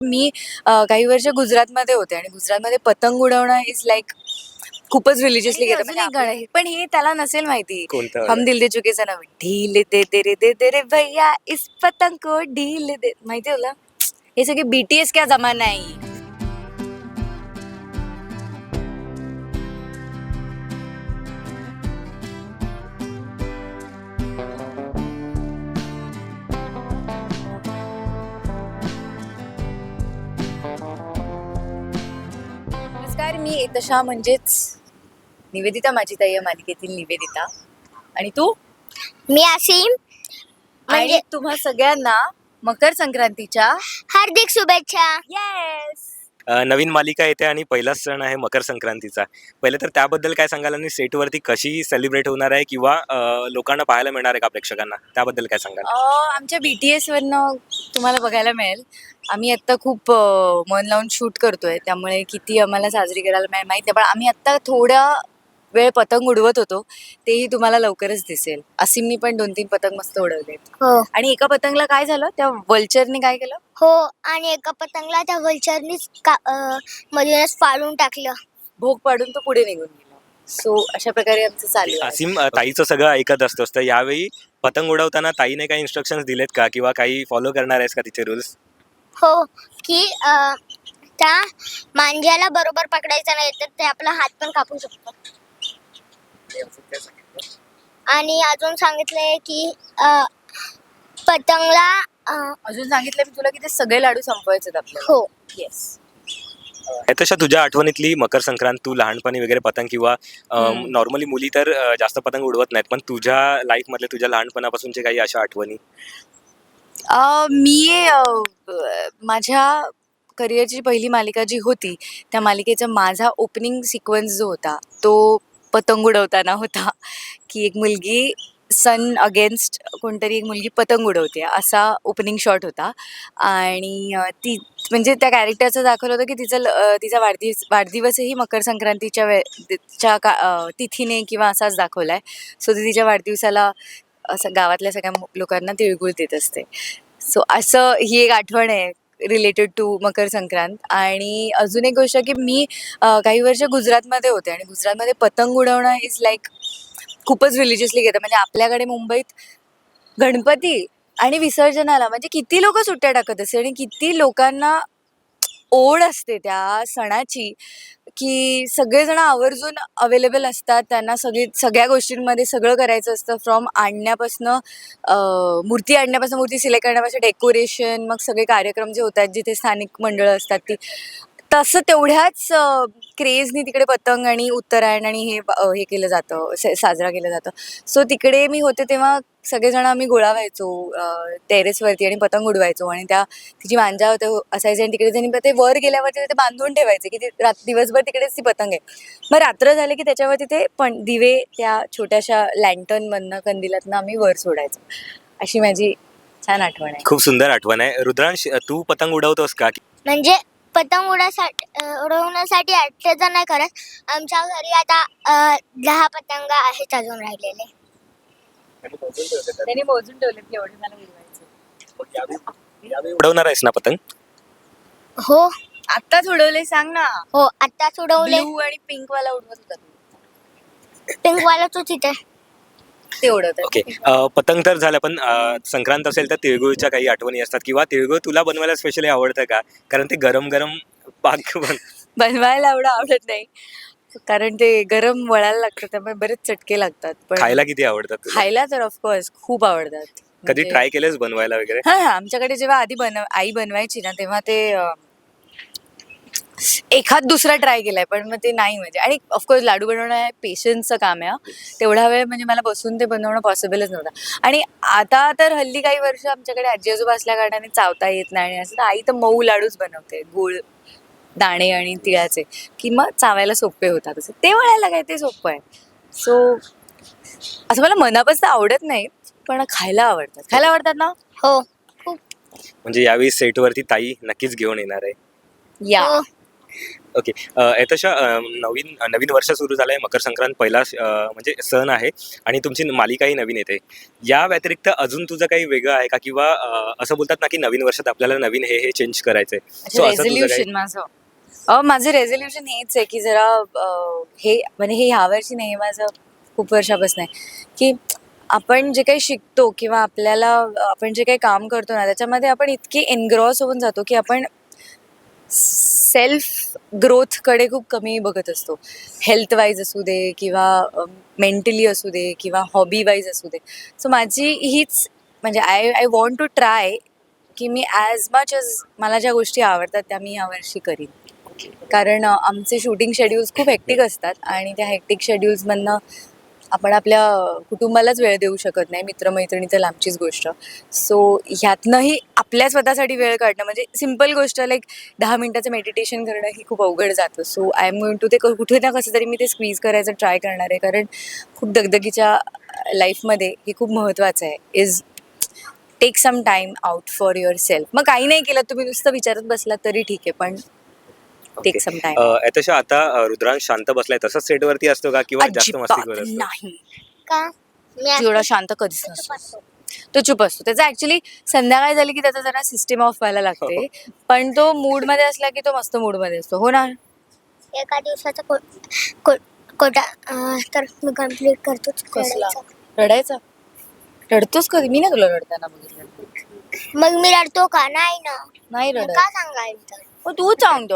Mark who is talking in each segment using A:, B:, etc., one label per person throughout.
A: मी काही वर्ष गुजरातमध्ये होते आणि गुजरातमध्ये पतंग उडवणं इज लाईक खूपच रिलिजियसली घेतं. म्हणजे गाणं आहे. पण हे त्याला नसेल माहिती.
B: कोणतं
A: हम
B: वालं?
A: दिल दे चुके सनम, ढील दे रे भैया इस पतंग को ढील दे. माहिती आहे तुला? हे सगळे बीटीएस क्या जमाना आहे. नमस्कार, मी तशा म्हणजेच निवेदिता, माझी ताई या मालिकेतील निवेदिता. आणि तू?
C: मी असीम.
A: आणि तुम्हा सगळ्यांना मकर संक्रांतीच्या
C: हार्दिक शुभेच्छा.
A: येस.
B: नवीन मालिका येते आणि पहिलाच सण आहे मकर संक्रांतीचा. पहिले तर त्याबद्दल काय सांगाल आणि सेटवरती कशी सेलिब्रेट होणार आहे किंवा लोकांना पाहायला मिळणार आहे का प्रेक्षकांना, त्याबद्दल काय सांगाल?
A: आमच्या BTS वरनं तुम्हाला बघायला मिळेल. आम्ही आत्ता खूप मन लावून शूट करतोय, त्यामुळे किती आम्हाला साजरी करायला मिळेल माहिती नाही. पण आम्ही आत्ता थोडा वेळ पतंग उडवत होतो, तेही तुम्हाला लवकरच दिसेल. असीमनी पण 2-3 पतंग मस्त उडवलेत.
C: हो
A: आणि एका पतंगला काय झालं, त्या वल्चरने काय केलं,
C: हो. आणि एका पतंगला त्या वल्चरनीच मधूनच फाडून टाकलं.
A: भोग पाडून तो पुढे निघून गेला. सो अशा प्रकारे आमचं चालू आहे.
B: असीम ताईचं सगळं ऐकत असतोस, तर यावेळी पतंग उडवताना ताईने काही इन्स्ट्रक्शन्स दिलेत का किंवा काही फॉलो करणार आहेस का तिचे रूल्स?
C: हो की त्या मांज्याला बरोबर पकडायचं नाही तर ते आपला हात पण कापू शकतो. आणि अजून सांगितलंय की पतंगला
A: अजून सांगितलं मी तुला की ते सगळे लाडू संपवायचे आहेत आपल्याला.
C: हो
A: येस.
B: तशा तुझ्या आठवणीतली मकर संक्रांत, तू लहानपणी वगैरे पतंग किंवा नॉर्मली मुली तर जास्त पतंग उडवत नाहीत, पण तुझ्या लाईफ मधल्या तुझ्या लहानपणापासूनच्या काही अशा आठवणी?
A: मी माझ्या करिअरची पहिली मालिका जी होती, त्या मालिकेचा माझा ओपनिंग सिक्वेन्स जो होता तो पतंग उडवताना होता. की एक मुलगी सन अगेन्स्ट कोणतरी एक मुलगी पतंग उडवते असा ओपनिंग शॉट होता. आणि ती म्हणजे त्या कॅरेक्टरचं दाखवलं होतं की तिचा वाढदिवसही मकर संक्रांतीच्या तिथीने किंवा असाच दाखवला आहे. सो ती तिच्या वाढदिवसाला असं गावातल्या सगळ्या लोकांना तिळगुळ देत असते. सो असं ही एक आठवण आहे रिलेटेड टू मकर संक्रांत. आणि अजून एक गोष्ट की मी काही वर्ष गुजरातमध्ये होते आणि गुजरातमध्ये पतंग उडवणं इज लाईक खूपच रिलिजियसली घेतं. म्हणजे आपल्याकडे मुंबईत गणपती आणि विसर्जनाला म्हणजे किती लोक सुट्ट्या टाकत असते आणि किती लोकांना ओढ असते त्या सणाची, की सगळेजण आवर्जून अवेलेबल असतात. त्यांना सगळ्या गोष्टींमध्ये सगळं करायचं असतं. फ्रॉम मूर्ती आणण्यापासून, मूर्ती सिलेक्ट करण्यापासून, डेकोरेशन, मग सगळे कार्यक्रम जे होतात जिथे स्थानिक मंडळं असतात ती, तसं तेवढ्याच क्रेजनी तिकडे पतंग आणि उत्तरायण आणि हे केलं जातं, साजरा केलं जातं. सो तिकडे मी होते तेव्हा सगळेजण आम्ही गोळा व्हायचो टेरेसवरती आणि पतंग उडवायचो. आणि तिची मांजा होते असायची आणि तिकडे त्यांनी ते वर गेल्यावरती ते बांधून ठेवायचे की दिवसभर तिकडेच ती पतंग आहे. मग रात्र झाली की त्याच्यावरती ते पण दिवे त्या छोट्याशा लँटर्नमधनं, कंदिलातनं आम्ही वर सोडायचो. अशी माझी छान आठवण आहे.
B: खूप सुंदर आठवण आहे. रुद्रांश, तू पतंग उडवतोस का?
C: म्हणजे पतंग उडवण्यासाठी अटॅच नाही करत. आमच्या घरी आता 10 पतंग आहेत अजून राहिलेले.
A: त्यांनी मोजून ठेवले की एवढे मला उडवायचे.
B: उडवणार आहेस ना पतंग?
C: हो
A: आत्ताच उडवले सांग ना.
C: हो आत्ताच उडवले.
A: ब्लू आणि पिंक वाला उडवत होता.
C: पिंक वाला तो तिथे
A: ते उडवत
B: ओके. पतंग तर झालं, पण संक्रांत असेल तर तिळगुळच्या काही आठवणी असतात किंवा तिळगुळ तुला बनवायला स्पेशली आवडतं का? कारण ते गरम गरम पाक
A: बनवायला एवढं आवडत नाही, कारण ते गरम वळायला लागतं, त्यामुळे बरेच चटके लागतात. पण
B: खायला किती आवडतात तुला?
A: खायला तर ऑफकोर्स खूप आवडतात.
B: कधी
A: म्हणजे
B: ट्राय केलेस बनवायला वगैरे?
A: हा, आमच्याकडे जेव्हा आधी आई बनवायची ना तेव्हा ते एखाद दुसरा ट्राय केलाय, पण मग ते नाही. म्हणजे आणि ऑफकोर्स लाडू बनवणं हे पेशन्सचं काम आहे. तेवढा वेळ म्हणजे मला बसून ते बनवणं पॉसिबलच नव्हतं. आणि आता तर हल्ली काही वर्ष आमच्याकडे आजी आजोबा असल्या कारणाने चावता येत नाही असं, तर आई तर मऊ लाडूच बनवते, गूळ, दाणे आणि तिळाचे, की मग चावायला सोपे होतात. असं ते वळायला काय ते सोपं आहे. सो असं मला मनापासून आवडत नाही, पण खायला आवडतात ना.
C: हो
B: म्हणजे यावेळी सेटवरती ताई नक्कीच घेऊन येणार आहे.
A: या
C: हो.
B: ओके. तशा नवीन नवीन वर्ष सुरू झालं आहे, मकर संक्रांत पहिला म्हणजे सण आहे आणि तुमची मालिकाही नवीन येते. या व्यतिरिक्त अजून तुझं काही वेगळं आहे का? किंवा असं बोलतात ना की नवीन वर्षात आपल्याला नवीन हे चेंज करायचं आहे. सो असं तुझं काही?
A: रेझोल्युशन माझं रेझोल्युशन हेच आहे की जरा हे म्हणजे हे ह्या वर्षी नाही, माझं खूप वर्षापासून आहे की आपण जे काही शिकतो किंवा आपल्याला आपण जे काही काम करतो ना त्याच्यामध्ये आपण इतके एनग्रॉस होऊन जातो की आपण सेल्फ ग्रोथकडे खूप कमी बघत असतो. हेल्थ वाईज असू दे किंवा मेंटली असू दे किंवा हॉबी वाईज असू दे. सो माझी हीच म्हणजे आय वॉन्ट टू ट्राय की मी ॲज मच एज मला ज्या गोष्टी आवडतात त्या मी यावर्षी करीन. कारण आमचे शूटिंग शेड्यूल्स खूप हेक्टिक असतात आणि त्या हेक्टिक शेड्यूल्समधनं आपण आपल्या कुटुंबालाच वेळ देऊ शकत नाही, मित्रमैत्रिणी तर लांबचीच गोष्ट. सो ह्यातनंही आपल्या स्वतःसाठी वेळ काढणं म्हणजे सिम्पल गोष्ट लाईक 10 मिनिटाचं मेडिटेशन करणं ही खूप अवघड जातं. So I am going to ते कुठे ना कसं तरी मी ते स्क्वीज करायचं ट्राय करणार आहे. कारण खूप दगदगीच्या लाईफमध्ये हे खूप महत्त्वाचं आहे. Is take some time out for yourself. मग काही नाही केलं तुम्ही नुसतं विचारत बसलात तरी ठीक आहे, पण टेक सम टाइम.
B: तशा आता रुद्रांश शांत बसलाय, तसंच सेटवरती असतो का किंवा जास्त मस्ती
A: अजिबात
B: करत असतो?
A: नाही.
C: का मी
A: एवढा शांत कधीच नसतो. तो चुप असतो. त्याचा ऍक्च्युली संध्याकाळ झाली की त्याचा जरा सिस्टीम ऑफ व्हायला लागते. पण तो मूड मध्ये असला की तो मस्त मूड मध्ये असतो. हो ना.
C: एका दिवसाचा कोटा तर मी कम्प्लीट करतोच.
A: कसला रडायचा? रडतोस कधी? मी ना तुला रडताना बघितलं.
C: मग मी रडतो का? नाही ना.
A: नाही
C: मग
A: रडत.
C: का सांगायचं?
A: हो तू सांगतो.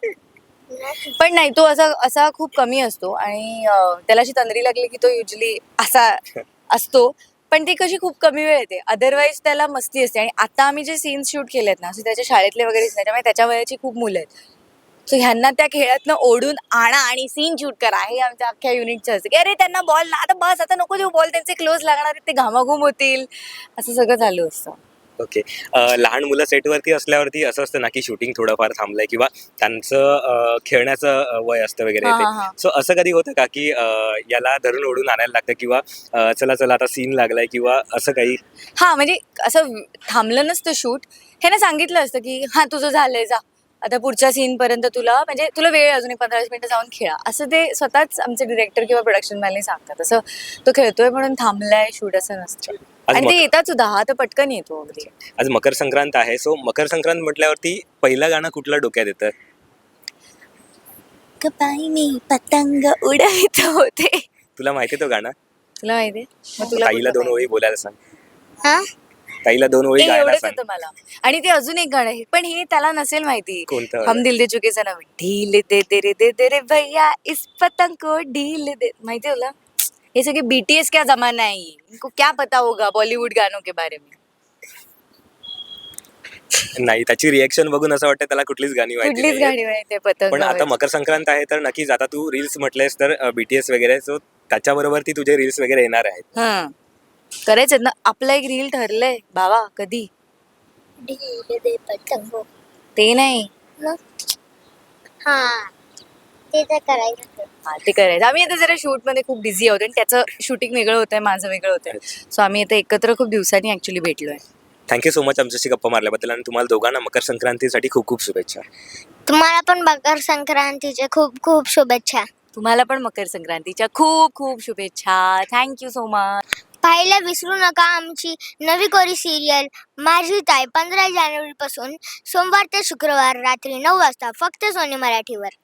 A: पण नाही, तो असा असा खूप कमी असतो आणि त्याला अशी तंद्री लागली की तो युजली असा असतो. पण ती कशी खूप कमी वेळ येते. अदरवाईज त्याला मस्ती असते. आणि आता आम्ही जे सीन्स शूट केलेत ना, असे त्याच्या शाळेतले वगैरेच नाही, त्यामुळे त्याच्या वयाची खूप मुलं आहेत. सो ह्यांना त्या खेळातनं ओढून आणा आणि सीन शूट करा हे आमच्या अख्ख्या युनिटचं असतं की अरे त्यांना बॉल ना, आता बस, आता नको देऊ बॉल, त्यांचे क्लोज लागणार आहेत, ते घामाघूम होतील, असं सगळं चालू असतं.
B: ओके. लहान मुलं सेटवरती असल्यावरती असं असतं ना की शूटिंग थोडंफार थांबलंय किंवा त्यांचं खेळण्याचं वय असतं वगैरे
A: हा,
B: ते.
A: हा, हा.
B: सो असं कधी होतं का की याला धरून ओढून आणायला लागतं किंवा चला चला आता सीन लागलाय किंवा असं काही?
A: हा म्हणजे असं थांबलं नसतं शूट. ह्याने सांगितलं असतं की हा तुझं झालंय, जा आता पुढच्या सीन पर्यंत तुला म्हणजे तुला वेळ अजून 15-20 मिनिटं जाऊन खेळा, असं ते स्वतःच आमचे डिरेक्टर किंवा प्रोडक्शन मॅनने सांगतात. असं तो खेळतोय म्हणून थांबलाय शूट असं नसतं.
B: आज
A: आणि ते येतात सुद्धा, हा तर पटकन येतो अगदी.
B: आज मकर संक्रांत आहे. सो मकर संक्रांत म्हटल्यावरती पहिलं गाणं कुठलं डोक्यात येतं?
A: पायी मी पतंग उडवित होते.
B: तुला माहिती तो गाणं?
A: तुला माहितीये? मग तुला
B: ताईला
A: कुठलं
B: 2 ओळी बोलायला सांग.
C: हा
B: ताईला 2 ओळी
A: ते
B: गायला
A: एवढंच
B: सांग.
A: येतं मला. आणि ते अजून एक गाणं आहे, पण हे त्याला नसेल माहिती.
B: कोणतं वालं?
A: हम दिल दे चुके सनम. ढील दे दे रे भैया इस पतंग को ढील दे. माहिती तुला? ये सगळे बीटीएस क्या जमाना है, ये इनको क्या पता होगा बॉलीवुड गानों के बारे में.
B: नाही, त्याची रिएक्शन बघून असं वाटतं त्याला कुठलीच गाणी माहिती
A: कुठलीच
B: नाहीये.
A: गाणी माहिती पतंग.
B: पण आता मकर संक्रांत आहे तर नक्कीच आता तू रील्स म्हटलेस तर बीटीएस वगैरे, सो त्याच्याबरोबर ती तुझे रील्स वगैरे येणार आहेत.
A: हा करायचं ना. आपलं एक रील ठरलंय बाबा. कधी?
C: ढील दे पतंग.
A: ते नाही.
C: मग हा ते तर करायचं.
A: हा ते करायचं. आम्ही आता जरा शूट मध्ये खूप बिझी आहोत आणि त्याचं शूटिंग वेगळं होतंय, माझं वेगळं होतंय. सो आम्ही आता एकत्र खूप दिवसांनी ऍक्च्युली भेटलोय.
B: थँक्यू सो मच आमच्याशी गप्पा मारल्याबद्दल आणि तुम्हाला दोघांना मकर संक्रांतीसाठी खूप खूप शुभेच्छा.
C: तुम्हाला पण मकर संक्रांतीच्या खूप खूप शुभेच्छा.
A: तुम्हाला पण मकर संक्रांतीच्या खूप खूप शुभेच्छा. Thank you so much.
C: पाहायला विसरू नका आमची नवी कोरी सिरियल माझी ताई 15 जानेवारीपासून सोमवार ते शुक्रवार रात्री 9 वाजता फक्त सोनी मराठीवर.